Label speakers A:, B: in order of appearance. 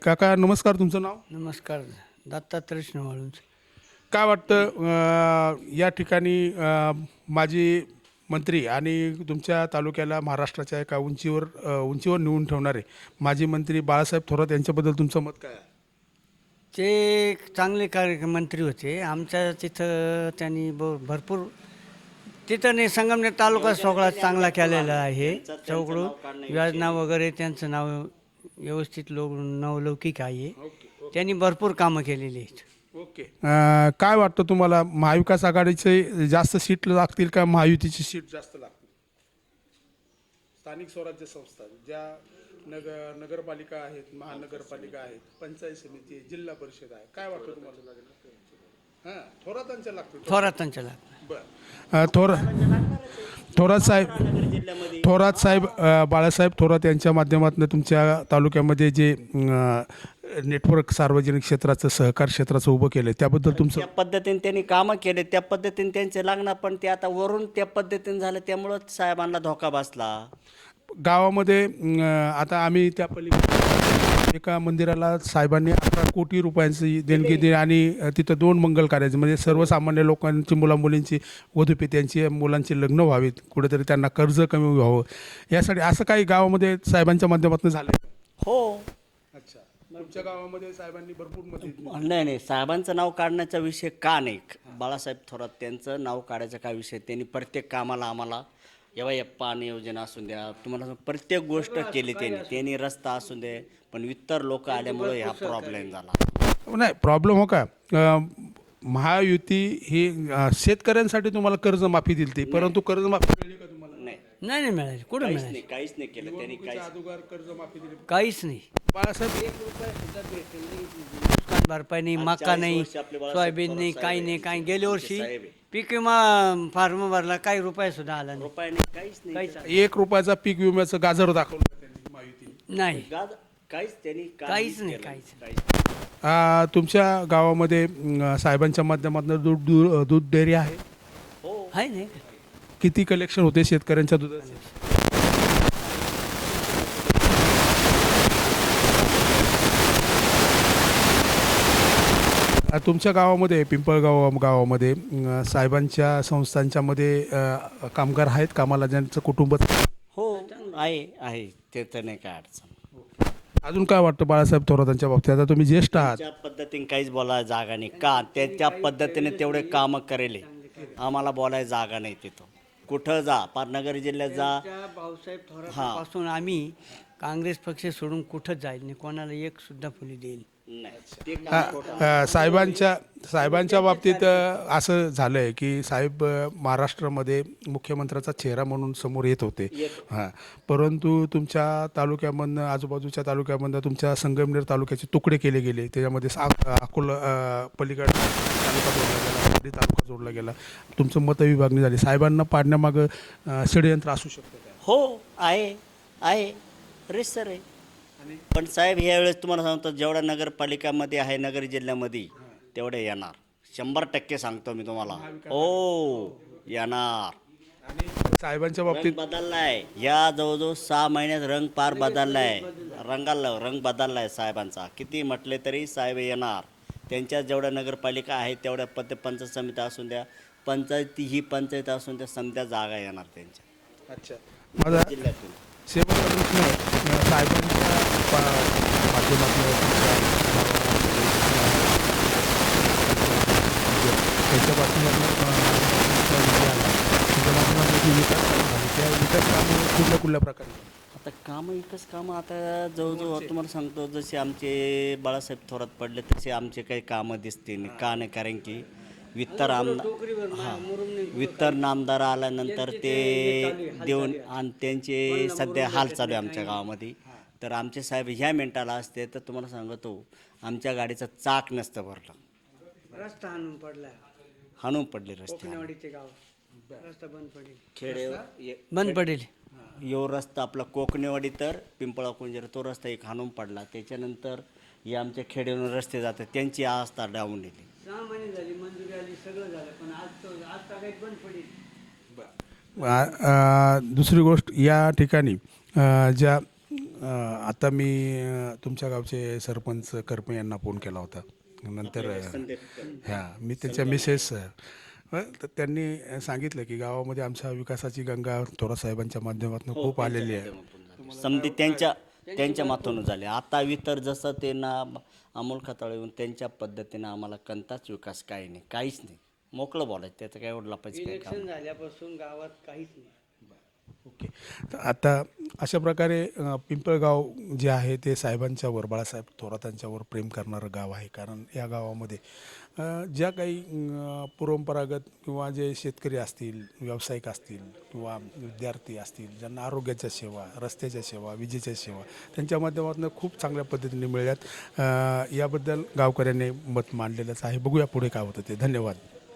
A: काका नमस्कार, तुमचं नाव?
B: नमस्कार. दत्तात्रय वाळूंज.
A: काय वाटतं या ठिकाणी माजी मंत्री आणि तुमच्या तालुक्याला महाराष्ट्राच्या एका उंचीवर नेऊन ठेवणारे माजी मंत्री बाळासाहेब थोरात यांच्याबद्दल तुमचं मत काय आहे?
B: ते एक चांगले मंत्री होते. आमच्या तिथं त्यांनी भरपूर तिथं नाही, संगमनेर तालुका सगळा चांगला केलेला आहे. चौकडून योजना वगैरे त्यांचं नाव व्यवस्थित नवलौकिक आहे. त्यांनी भरपूर कामं केलेली आहेत.
A: ओके. काय वाटतं तुम्हाला, महाविकास आघाडीचे जास्त सीट लागतील का महायुतीची सीट जास्त लागतील? स्थानिक स्वराज्य संस्था ज्या नगरपालिका आहेत, महानगरपालिका आहेत, पंचायत समिती, जिल्हा परिषद आहे, काय वाटतं तुम्हाला? थोरातांच्या लागतील.
B: थोरातांच्या लागतात.
A: बरं. थोरात साहेब बाळासाहेब थोरात यांच्या माध्यमातून तुमच्या तालुक्यामध्ये जे नेटवर्क सार्वजनिक क्षेत्राचं सहकार क्षेत्राचं उभं केलं त्याबद्दल तुमचं?
C: त्या पद्धतीने त्यांनी कामं केले, त्या पद्धतीने त्यांचे लागणार, पण ते आता वरून त्या पद्धतीने झालं त्यामुळं साहेबांना धोका बसला.
A: गावामध्ये आता आम्ही त्या पलीकडे एका मंदिराला साहेबांनी 11 कोटी रुपयांची देणगी दिली आणि तिथं 2 मंगल कार्याचे म्हणजे सर्वसामान्य लोकांची मुलामुलींची वधूपित्यांची मुलांची लग्न व्हावीत, कुठेतरी त्यांना कर्ज कमी व्हावं, यासाठी असं काही गावामध्ये साहेबांच्या माध्यमातून झालं?
C: हो.
A: अच्छा. तुमच्या गावामध्ये साहेबांनी भरपूर मदत?
C: नाही, साहेबांचं नाव काढण्याचा विषय का नाही. बाळासाहेब थोरात त्यांचं नाव काढायचा काय विषय. त्यांनी प्रत्येक कामाला आम्हाला या पाणी योजना असून द्या, तुम्हाला प्रत्येक गोष्ट केली त्यांनी रस्ता असून दे, पण इतर लोक आल्यामुळे हा प्रॉब्लेम झाला.
A: नाही प्रॉब्लेम हो का, महायुती ही शेतकऱ्यांसाठी तुम्हाला कर्जमाफी दिली ती, परंतु कर्जमाफी मिळाली का तुम्हाला?
C: नाही
B: मिळाले. कुठं मिळाले?
C: काहीच नाही केलं त्यांनी.
A: कर्जमाफी दिली
B: काहीच नाही.
A: बाळासाहेब?
B: नुकसान भरपाई नाही, मका नाही, सोयाबीन नाही, काही नाही. काही गेल्या वर्षी पीक विमा फार्म भरला, काही रुपये सुद्धा आला नाही.
C: रुपये नाही, काहीच नाही.
A: 1 रुपयाचा पीक विम्याचं गाजर दाखवलं त्यांनी महायुती.
B: नाही,
C: काहीच त्यांनी
B: काहीच नाही.
A: तुमच्या गावामध्ये साहेबांच्या माध्यमातून दूध डेअरी आहे?
C: हो.
B: आहे नाही.
A: किती कलेक्शन होते शेतकऱ्यांच्या दुधाचे? तुमच्या गावामध्ये गावामध्ये साहेबांच्या संस्थांच्या मध्ये कामगार आहेत कामाला, ज्यांचं कुटुंब?
C: हो, आहे ते तर नाही काय अडचण.
A: अजून काय वाटतं बाळासाहेब थोरातांच्या बाबतीत? आता तुम्ही ज्येष्ठ आहात.
C: त्या पद्धतीने काहीच बोलायला जागा नाही का, त्या पद्धतीने तेवढे कामं करेले, आम्हाला बोलायला जागा नाही. तिथं कुठं जा, पार नगर जिल्ह्यात जा.
B: भाऊसाहेब थोरातपासून आम्ही काँग्रेस पक्ष सोडून कुठंच जाईल नाही, कोणाला एक सुद्धा फुली देईल
C: नाही.
A: साहेबांच्या बाबतीत असं झालं आहे की साहेब महाराष्ट्रामध्ये मुख्यमंत्र्याचा चेहरा म्हणून समोर येत होते. परंतु तुमच्या तालुक्यामधनं, आजूबाजूच्या तालुक्यामधनं तुमच्या संगमनेर तालुक्याचे तुकडे केले गेले. त्याच्यामध्ये अकोला पलीकडे तालुका जोडला गेला, पारडी तालुका जोडला गेला. तुमचं मतविभागणी झाली. साहेबांना पाडण्यामागं षडयंत्र असू शकतं का?
C: हो, आहे रिसर आहे. पण साहेब यावेळेस तुम्हाला सांगतो, जेवढ्या नगरपालिकामध्ये आहे नगर जिल्ह्यामध्ये तेवढे येणार 100% सांगतो मी तुम्हाला. हो, येणार.
A: आणि साहेबांच्या बाबतीत
C: बदललाय, या जवळजवळ 6 महिन्यात रंग पार बदललाय. रंग बदललाय साहेबांचा. किती म्हटले तरी साहेब येणार. त्यांच्या जेवढ्या नगरपालिका आहेत तेवढ्या पंचायत समित्या असून द्या, ही पंचायत असून द्या, समजा जागा येणार त्यांच्या.
A: अच्छा. माझा
C: जिल्ह्यातून
A: शेवटचा प्रश्न, साहेबांच्या माध्यमातून त्याच्या विकास कामं कुठल्या प्रकारे?
C: आता कामं एकच कामं आता जवळजवळ तुम्हाला सांगतो, जसे आमचे बाळासाहेब थोरात पडले तसे आमचे काही कामं दिसते नाही. का नाही, कारण की वित्तर नामदार आल्यानंतर ते देऊन आणि त्यांचे सध्या हाल चालू आहे आमच्या गावामध्ये. तर आमचे साहेब ह्या मिनिटाला असते तर तुम्हाला सांगतो, आमच्या गाडीचं चाक नसतं भरलं.
B: रस्ता
C: हाणून पडले रस्ते.
B: रस्ता बंद पडेल.
C: खेडे
B: बंद पडेल.
C: यो रस्ता आपला कोकणेवाडी तर पिंपळा कुंजर, तो रस्ता एक हाणून पडला. त्याच्यानंतर हे आमच्या खेड्यावरून रस्ते जातात, त्यांची अवस्था डाऊन येते.
B: 6 महिने झाली, मंजुरी आली, सगळं झालं, पण आज काही बंद पडेल.
A: दुसरी गोष्ट, या ठिकाणी ज्या आता मी तुमच्या गावचे सरपंच करपे यांना फोन केला होता नंतर ह्या मी त्यांच्या मिसेस तर त्यांनी सांगितलं की गावामध्ये आमच्या विकासाची गंगा थोरासाहेबांच्या माध्यमातून खूप आलेली आहे.
C: समधी त्यांच्या माथून झाले. आता इतर जसं ते ना अमोल खताळे येऊन त्यांच्या पद्धतीनं आम्हाला कोणताच विकास काही नाही, काहीच नाही. मोकळं बोलायचं, त्याचं काय एवढं लपायचं काय काम
B: इलेक्शन झाल्यापासून गावात काहीच नाही.
A: ओके. तर आता अशा प्रकारे पिंपळगाव जे आहे ते साहेबांच्यावर बाळासाहेब थोरातांच्यावर प्रेम करणारं गाव आहे. कारण या गावामध्ये ज्या काही परंपरागत किंवा जे शेतकरी असतील, व्यावसायिक असतील किंवा विद्यार्थी असतील, ज्यांना आरोग्याच्या सेवा, रस्त्याच्या सेवा, विजेच्या सेवा त्यांच्या माध्यमातून खूप चांगल्या पद्धतीने मिळाल्यात. याबद्दल गावकऱ्यांनी मत मांडलेलंच आहे. बघूया पुढे काय होतं ते. धन्यवाद.